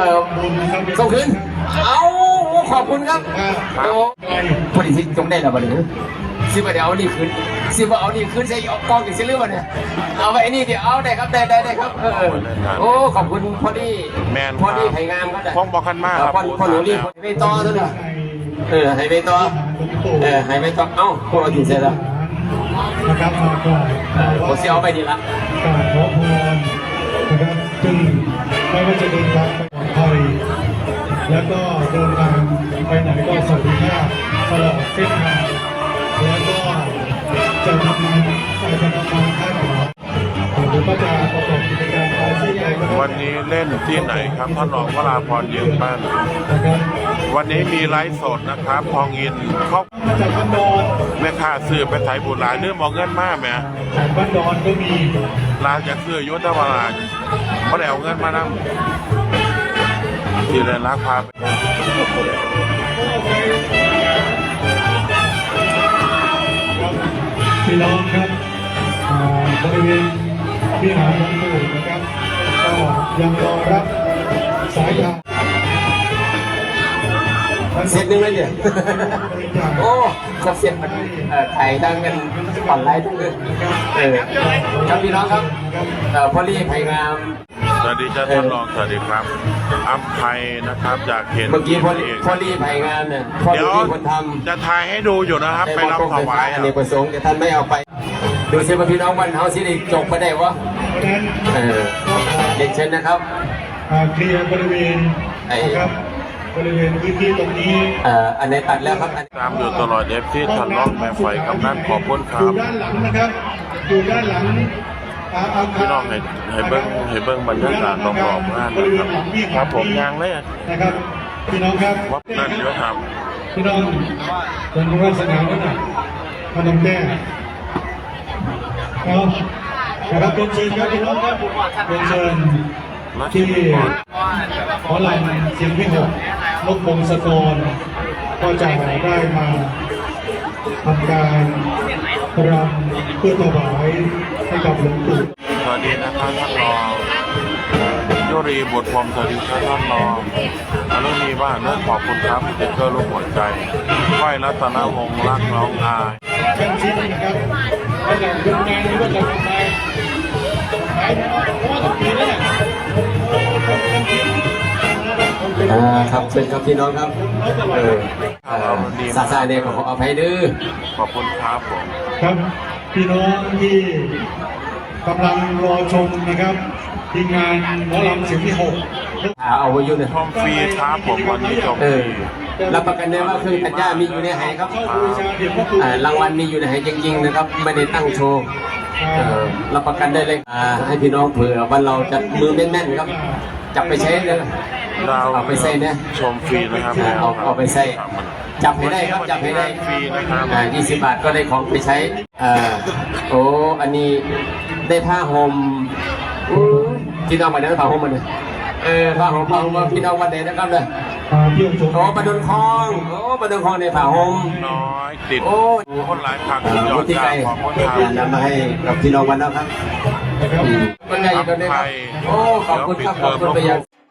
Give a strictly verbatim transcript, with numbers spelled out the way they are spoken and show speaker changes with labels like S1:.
S1: ออส่งคืนเอาขอบคุณครับโอ้พอดีที่จงได้แล้วบัดนี้สิบเดี๋ยวเอานี่คืนสิบเอานี่คืนใช้เอากองอีกสิเรื่องเนี่ยเอาไปนี่เดี๋ยวเอาได้ครับได้ได้ได้ครับเออโอ้ขอบคุณพอดีพอดีไผ่งามก็ได้
S2: พ้องบอกกันมากครับ
S1: พอหนูรีบไปต่อซะหน่อยเออให้ไปต่อเออให้ไปต่อเอ้าพวกเราถึงเสร็จแล้ว
S3: นะครับมาก่อน
S1: ผมเสียเอาไปดีละ
S3: กราบขอพรนะครับซึ่งไม่ว่าจะเดินทางไปปลอดภัยแล้วก็เดินทางไปไหนก็สวัสดิภาพตลอดเส้นทางแล้วก็จะทำงานจะทำงานค่ายหมอหรือก็จะประกอบกิจการไปที่ใหญ่
S2: วันนี้เล่นที่ไหนครับท่านรองวราพรยืนบ้านวันนี้มีไลฟ์สดนะครับทองอินเขา
S3: มาจากบ้านดอน
S2: แม่ค้าซื้อไปไถบุญหลายเรื่องมองเงินมากไหม
S3: จากบ้านดอนก็มี
S2: ร้านจะซื้อยุทธวราชเขาได้เอาเงินมานั่งที่เรนรักพาไป
S3: พี่น้องครับบริเวณที่หาหลวงปู่นะครับก็ยังรอรับสายทาง
S1: เสร็จนึงเลยเนี่ยโอ้ครบเสร็จมันถ่ายทั้งกันผ่อนไลฟ์ทั้งเลยเออครับพี่น้องครับพอลี่ไผ่งาม
S2: สวัสดีจ้าท่านรองสวัสดีครับอัมไพนะครับจากเขต
S1: เมื่อกี้พอลี่พอลี่ไผ่งามเนี่ย
S2: เดี๋ยวจะถ่ายให้ดูอยู่นะครับไปรับถวาย
S1: อันนี้ประสงค์แต่ท่านไม่เอาไปดูสิว่าพี่น้องวันเฮาสิได้จบไปได้วะเออเด็กเช่นนะครับ
S3: เคลียร์บริเวณนะครับบริเวณพื้นที่ตรงนี้
S1: เอ่ออันไหนตัดแล้วครับ
S2: ตามอยู่ตลอดเอฟที่ท่านรองแม่ไฟกำนันขอบคุณครั
S3: บอยู่ด้านหลังนะครับอยู่ด้านหลัง
S2: พี่น้องให้ให้เบิ้งให้เบิ้งบรรยากาศรอบๆงานนะครับครับผมยางเลย
S3: นะครับพี่น้องครับ
S2: วัดนั่นเยอะครับ
S3: พี่น้องเป็นผู้ว่าสนามนั่นน่ะพนมแก้วครับนะครับเป็นเชิญครับพี่น้องครับเป็นเชิญที่ขอลายเสียงพี่หกนกพงศกรก็จะได้มาทำการรำเพื่อถวายให้กับหลวงปู่
S2: สวัสดีนะครับท่านรองยุรีบุตรพรมสวัสดีครับท่านรองอนุนีว่าเนื่องขอบคุณครับเด็กเกอร์ลูกหัวใจไหวรัตนวงศ์รักน้องอาย
S3: เป็นชิ้นนะครับก็จะเป็นงานนี้ก็จะทำไมขายเพราะว่าต้องปีแล้วเนี่ย
S1: อ่าครับเชิญครับพี่น้องครับเออซาซาเนี่ยขออภัยดื้อ
S2: ขอบคุณครับผม
S3: ครับพี่น้องที่กำลังรอชมนะครับทีมงานหมอลำเสียงที่หก
S1: เอาไว้อยู่ใน
S2: ชมฟรีครับผมวันนี้ชมฟรี
S1: รับประกันได้ว่าเครื่องตัดหญ้ามีอยู่ในหายครับรางวัลมีอยู่ในหายจริงๆนะครับไม่ได้ตั้งโชว์รับประกันได้เลยให้พี่น้องเผื่อวันเราจะมือแน่นๆครับจับไปใช้เลยเอาไปใส่เนี่ย
S2: ชมฟรีนะครับ
S1: เอาเอาไปใส่จับให้ได้ครับจับให้ได้
S2: ฟรีนะครับ
S1: ยี่สิบบาทก็ได้ของไปใช้อ่าโอ้อันนี้ได้ผ้าห่มพี่น้องมาได้ผ้าห่มมาเลยเออผ้าห่มผ้าห่มพี่น้องวันไหนนะครับเลยโอ้ประดุนคลองโอ้ประดุนคลองในผ้าห่ม
S2: น้อยติด
S1: โอ้
S2: คนหลายผักยอดจากของคนไทย
S1: นำมาให้กับพี่น้องวันนะครับคนใหญ่คนนี้โอ้ขอบคุณครับขอบคุณไปยัง